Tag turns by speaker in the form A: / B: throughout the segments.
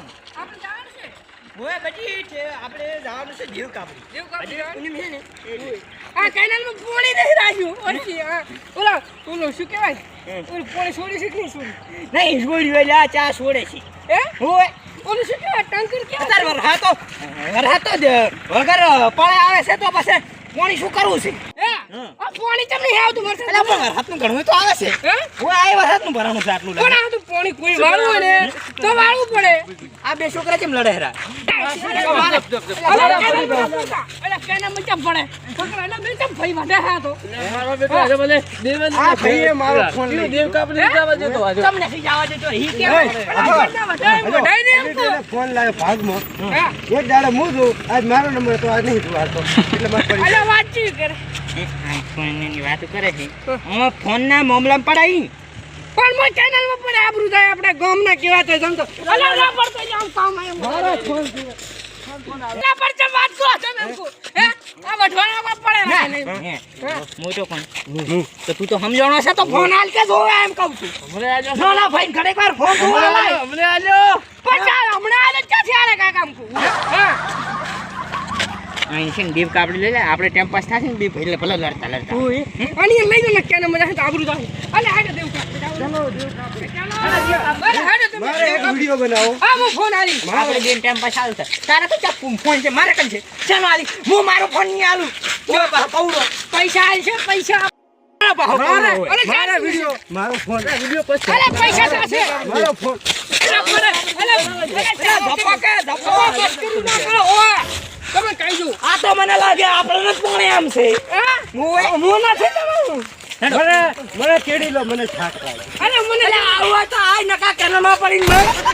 A: આપણે જવાનું છે
B: ઓય બજી છે આપણે જવાનું છે દેવ કાપડી પૂનમ છે ને
A: આ કેનાલમાં પાણી નહીં રાખ્યું ઓછી ઓલા ઓલો શું કહેવાય ઓલું પાણી છોડી છે કે નહીં છોડી
B: નહીં છોડ્યું એટલે આ ચા છોડે છે
A: હે
B: ઓય
A: ઓલું શું કહેવાય ટંકર કેવું
B: અત્યારે વરસાદ વગર પળે આવે છે તો પછી પાણી શું કરવું છે
A: હે આ પાણી તમને હે આવતું વરસાદ
B: એટલે પણ વરસાદનું ઘણું તો આવે છે
A: હે
B: ઓય આ વરસાદનું ભરાણું છે આટલું
A: કોણ આવતું પાણી કોઈ વાળવું હોય ને તો વાળવું પડે
B: આ બે છોકરા કેમ લડે હેરા
A: અરે કેના મજા પડે છોકરા એના બે ચમ ભાઈ વાડે હા તો
C: મારો બેટો આજે ભલે દેવેન
B: આ ભાઈએ મારો ફોન લઈ
C: દેવ કાપડી જવા દેતો આજે
B: તમને સી જવા દેતો હી કે
D: ફોન લાવ્યો ભાગમાં એક દાડો હું છું આજ મારો નંબર તો આજ નહીં વાળતો એટલે મારે પડી
A: અલા વાતચીત કરે
B: ફોન ની વાત કરે છે હું ફોન ના મામલામાં પડાઈ
A: પણ મો ચેનલ માં પડે આબરૂ થાય આપણે ગામ ના કેવા થાય સમજો અલા ના પડતો આમ કામ આયો
D: મારો ફોન
A: ના પડતો વાત કો તમે એમ કો હે આ વઢવાણા માં પડે
B: મોટો કોણ તો તું તો સમજાણો છે તો ફોન હાલ કે જોવે એમ કહું છું
C: હમણે આજો
B: ના ના ભાઈ ઘડીક વાર ફોન જોવા લાય
C: હમણે આજો
A: પચા હમણાં આલે ક્યાંથી આલે કાકા એમ કો હા
B: અહીં છે ને દેવ કાપડી લઈ લે આપણે ટાઈમ પાસ થશે ને બે ભાઈ ભલે લડતા લડતા
A: અને એ લઈ લો ને કેને મજા છે આબરૂ થાય અલે હાડે દેવ કા
D: ચાલો
A: હાડે તમે
D: મારે એક વિડિયો બનાવો
A: આ હું ફોન આલી
B: આપણે બે ટાઈમ પાસ આવશે તારે તો ચપ્પુ ફોન છે મારે કન છે ચાલો આલી હું મારો ફોન નહીં આલું જો પૌડો
A: પૈસા આલ છે પૈસા
D: મારો વિડિયો મારો ફોન વિડિયો પછી
A: અલે પૈસા છે
D: મારો ફોન
A: તમે કહી દો
B: આ તો મને લાગે આપણને જ પોણે આમ છે
A: હું નથી તમારું
D: મને કેડી લો મને થાક લાગે
A: અરે મને
B: આવા તો આ નકા કેનામાં પડીને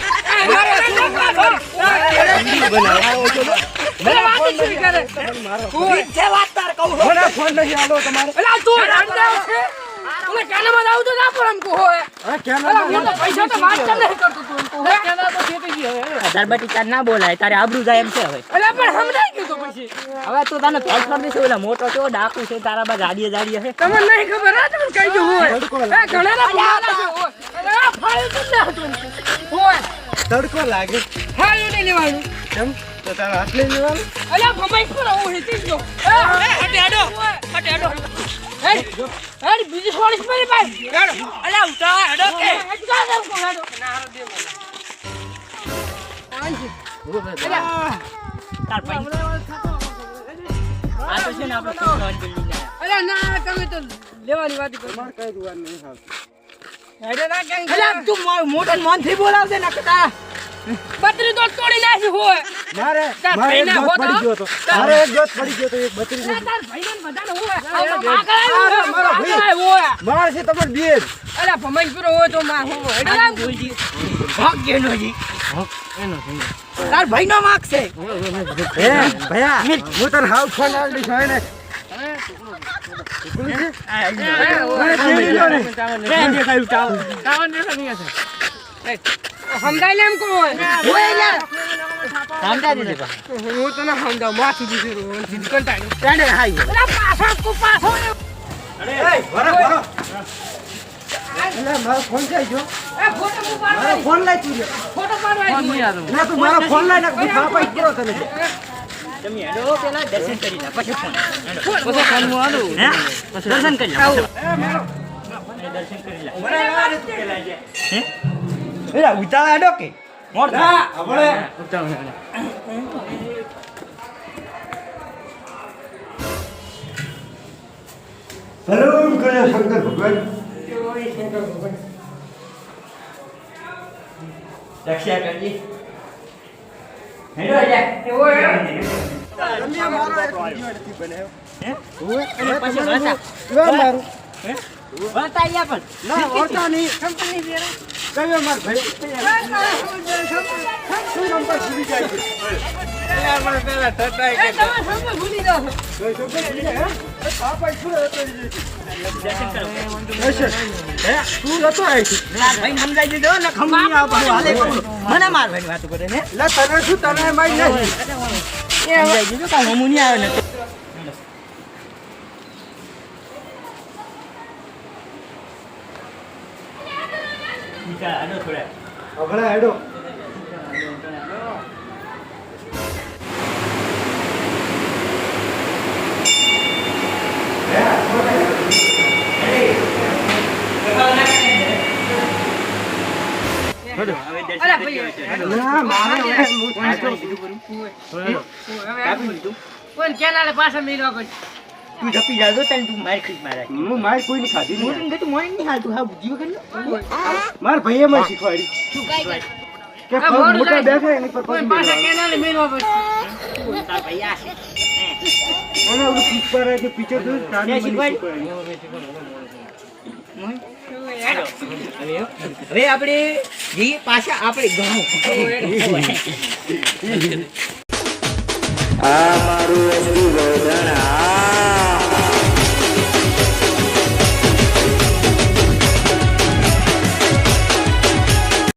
D: બનાવો ચલો
B: છે વાત તાર કહું
D: મને ફોન નહીં આલો તમારે
A: અલા તું રંડાવ છે મને કાનમાં આવું તો ના પણ हमको હોય
D: હા કેમ
A: અલા હું તો પૈસા તો વાત કર નહીં કરતો તું हमको હે
C: કેના તો ખેતી ગઈ હવે
B: દરબાટી તાર ના બોલાય તારે આબરૂ જાય એમ છે હવે
A: અલા પણ સમજાઈ ગયું તો પછી
B: હવે તું તને પેલ કરી દેશે ઓલા મોટો છો ડાકુ છે તારા બા ગાડીએ હે
A: તમને નહીં ખબર હા તમને કહી દઉં હોય
D: તડકો
A: એ ઘણા ના બોલાલા છે હોય અલા ફાળ્યું તો ના હતું હોય
D: તડકો લાગે
A: ફાળ્યું નહીં લેવાનું
D: કેમ તો તારા હાથ લઈ લેવાનું
A: અલા ભમાઈ પર હું હેતી જો હટે હડો હે બીજી સોળીસ મારી ભાઈ હેડો
B: અલ્યા ઉઠા હેડો કે
A: અટકા દઉં કો હેડો
B: તાર ભાઈ આ તો છે ને આપણે કોણ બિલ્ડિંગ
A: અલા ના તમે તો લેવાની વાત કરો
D: મારે કઈ જોવાનું નહીં હાલ
A: હેડો ના કેમ
B: અલ્યા તું મોટો મોન થી બોલાવજે ને કે તારા
A: બત્રી તો તોડી નાખી હોય
D: મારે
A: તાર
D: મારે એક
A: ભાઈના
D: જોત
A: હોતો?
D: પડી ગયો તો મારે એક જોત પડી ગયો તો એક બત્રી
A: ના તાર ભાઈને બધાને હોય
D: મારો ભાઈ.
A: આગળ હોય
D: મારે છે તમાર બેજ
A: અલા ભમાઈ પૂરો હોય તો માં હોય હેડો ના
B: બોલજી ભાગ ગેનો જી
C: એનો
B: તાર ભાઈનો માર્ક છે
D: હે ભયા હું તને હાવ ફોન આવી દઈશ ને
A: સમજાય ને એમ કો હોય
B: સમજા દીધે
A: હું તને સમજાવ માથું દીધું કંટાળી
B: ચાલે હાઈ
A: અલા પાછા કો પાછો
D: એટલે મારો ફોન જાય જો
A: એ ફોટો
D: મારો
A: પાડવા
D: ફોન લઈ તું
A: ફોટો પાડવા
D: ના તું મારો ફોન લઈ નાખ હું પાપા કરો તને
B: તમે હેડો પેલા દર્શન કરી લે પછી ફોન
C: પછી ફોન આલું
B: હે દર્શન કરી લે દર્શન કરી લે હે એલા ઉતાળા હેડો કે મોર
D: ના આપણે સલામ કર્યા શંકર ભગવાન
B: રક્ષા કરજી હેડો જા
A: એવો હે
D: તમે મારો એક વિડિયો નથી બનાવ્યો
B: હે અને પછી વાતા
D: મારું
B: હે વાતા આયા પણ
D: ના ઓરતા નહીં
A: કંપની વેરા
D: કયો માર ભાઈ શું નંબર ભૂલી જાય છે
C: મને પેલા થતાય
A: એ તમે સમજ ભૂલી જાઓ
D: કઈ શબ્દ ભૂલી જાય હે પાપા શું હતો
B: દર્શન કરો
D: હે તું નતો આવી
B: માર ભાઈ સમજાઈ દીધો ને ખમણી આવ બધું હાલે કરું મને માર ભાઈ વાત કરે ને
D: લે તને શું તને માઈ નહીં
B: સમજાઈ દીધું કે હમું નહીં આવે ને
D: હમણાં હેડો
B: હવે દર્શન
A: અરે
B: કરી
A: ભાઈ,
B: લેવા છે.
D: ના મારે હવે હું
B: કોણે
D: થાક્યો.
B: કીધું કરું?
A: હવે
B: કાપી દીધું.
A: કોઈ કેનાલે પાછા મેળવા કોઈ
B: તું જપી જાજો તને તું માર ખીચ મારા.
D: હું મારી કોઈની ખાધી નહીં.
B: મોટું કીધું મોય નહીં હાલતું હા બુદ્ધિ વગર
D: મારા ભાઈએ મને શીખવાડી
A: શું કાઈ કરે
D: કે
A: આ
D: પગ
A: મોઢું
D: મોટા
A: જાય.
D: બેઠા એની પર
A: કોઈ
D: પગ
A: પાછા
D: મેળવાનો.
A: કેનાલે મેળવા કોઈ
B: તાર ભાઈ આ છે
D: અને ઓલું પુષ્પારાજનું picture જોયું? તાની મને
B: શીખવાડી.
D: શીખવાડી.
B: હાલો. હવે આપણે જઈએ પાછા આપણે ગામ.
E: આ મારું એસટી ગોધણ આ